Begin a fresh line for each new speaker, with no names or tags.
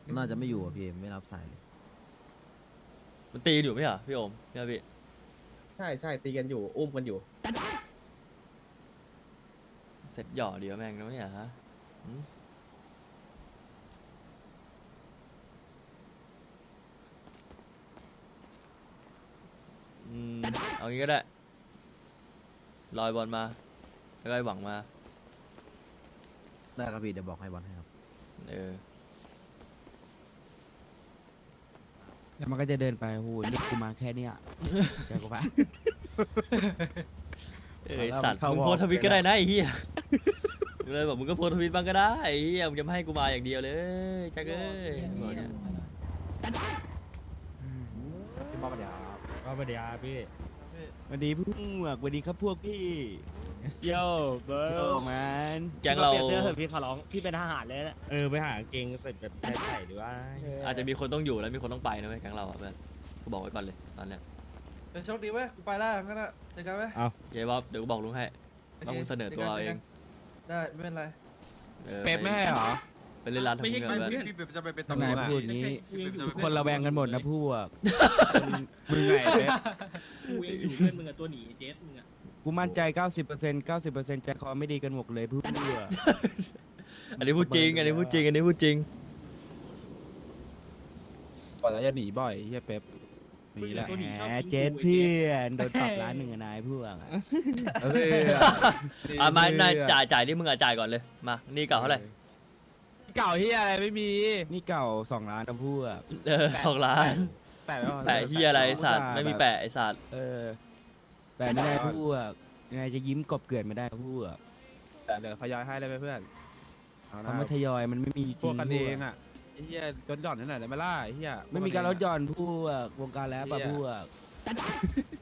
น่าจะไม่อยู่อ่ะพี่ไม่รับสายเลย
มันตีกันอยู่ไหมเหรอพี่โอมพี่
ใช่ใช่ตีกันอยู่อุ้มกันอยู่
เสร็จหย่อเดียวแม่งนะเนี่ยฮะหืมเอางี้ก็ได้ลอยบอลมาแล้วก็ให้หวังมา
ได้ครับพี่เดี๋ยวบอกให้บอลให้ครับ
เออ
แล้วมันก็จะเดินไปโอ้โหนี่กูมาแค่เนี้ยเจอกูปะ
เอ้ยสัตว์
เข้า
มึง
วอร์
โพสต์ทวิตก็ได้นะไอ้เหี้ยกูเลยบอกมึงก็โพสต์ทวิตบ้างก็ได้ไอ้เหี้ยมึงจะไม่ให้กูมาอย่างเดียวเลยจักเอ้ยบอกเนี่ย
พี่บ๊อบเดี๋ยว
ก็ไปเดี๋ยวพี่
สวัสดีพวกสวัสดีครับพวกพี่
โย่เบิ
โอ้
ร์
แมน
แก๊งเรา
เปลี่ยนเสื้อเถอะพี่ขอร้องพี่เป็นทหารเลยนะไปหากางเกงใส่แบบใส่ดีว่า
อาจจะมีคนต้องอยู่แล้วมีคนต้องไปนะเว้ยแก๊งเราอะเพื่อนกูบอกไว้ก่อนเลยตอนเนี้ย
เป็นโชคดีเว้ยกูไปแล้วงั้นอะเจอกันไหม
เย้บ๊อบเดี๋ยวกูบอกลุงให้ว่ามึงเสนอตัวเอาเอง
ได้ไม่เป็นไร
เป๊ปไม่ให้เหรอ
ไปเล่นร้านทำเงินเพื่อน
พี่จะไปเป็น
ทำ
ตำ
ไม
รวจอะ
พูดอย่างนี้
ทุ
ทุ
ก
ก
ค
คน น
ระ
ระ
แว
แว
ง
ง
กั
กัน น
ห
ห
ม
ม
ด
ด
นะ
นะ
พ
พ
ว
วกมึงไงเป๊ป
กูเองอยู่เพื่อนมึงอะตัวหนีเจสมึงอะ
กูมั่นใจ 90% ใจคอไม่ดีกันหมดเลยพวก
อันนี้พูดจริงอันนี้พูดจริงอันนี้พูดจริง
ก่อนแล้วจะหนีบ่อยเฮียเป๊ปหนีแหละ
ตัวหนีชอบ
แหม
กิน
เจ็ด
กู
เพื่อนโดนปรับร้านหนึ่งอะนายพวกอะ
มานายจ่ายที่มึงอะจ่ายก่อนเลยมานี่เก่าเท่าไหร่
เก่าที่อะไรไม่มี
นี่เก่า2 ล้านนะพวก
2 ล้าน
แปะ
แปะเฮียอะไรไอ้สัตว์ไม่มีแปะไอ้สัตว์
เออแต่ไม่ได้พวกยังไงจะยิ้มกบเกลื่อนไม่ได้พวก
แต่เดี๋ยวเขาย้อยให้เลยเพื่อน
คำว่าทยอยมันไม่มีจริง
พวกกันเองอ่ะไอ้เหี้ยจนหย่อนนั่นแหละได้ไหมล่ะไอ้เหี้ย
ไม่มีการลดหย่อนพวกวงการแล้วปะพวก